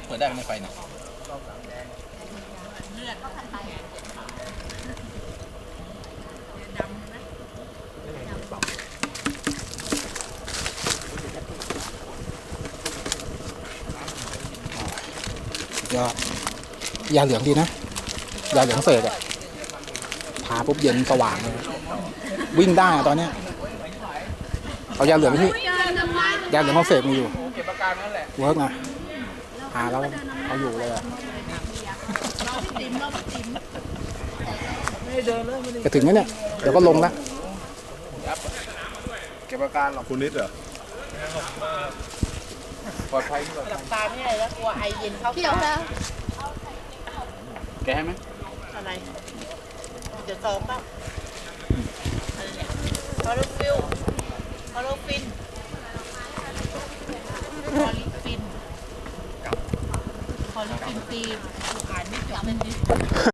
เปิดได้ในไฟนะยาเหลืองดีนะยาเหลืองเสกอะทาปุ๊บเย็นสว่างเลยวิ่งได้ตอนเนี้ยเอายาเหลืองที่ยาเหลืองเขาเสกมีอยู่เวิร์กนะทาแล้วเอาอยู่เลยอะจะถึงไหมเนี่ยเดี๋ยวก็ลงแล้วเก็บอาการหรอคุณนิดเหรอปลอดภัยหลับตาไม่ได้แล้วกลัวไอเย็นเข้าตาแกให้ไหมอะไรจะซ้อมป่ะคอร์ฟิลคอร์ฟินคอลิฟินคอลิฟินตีอ่านไม่จบเลย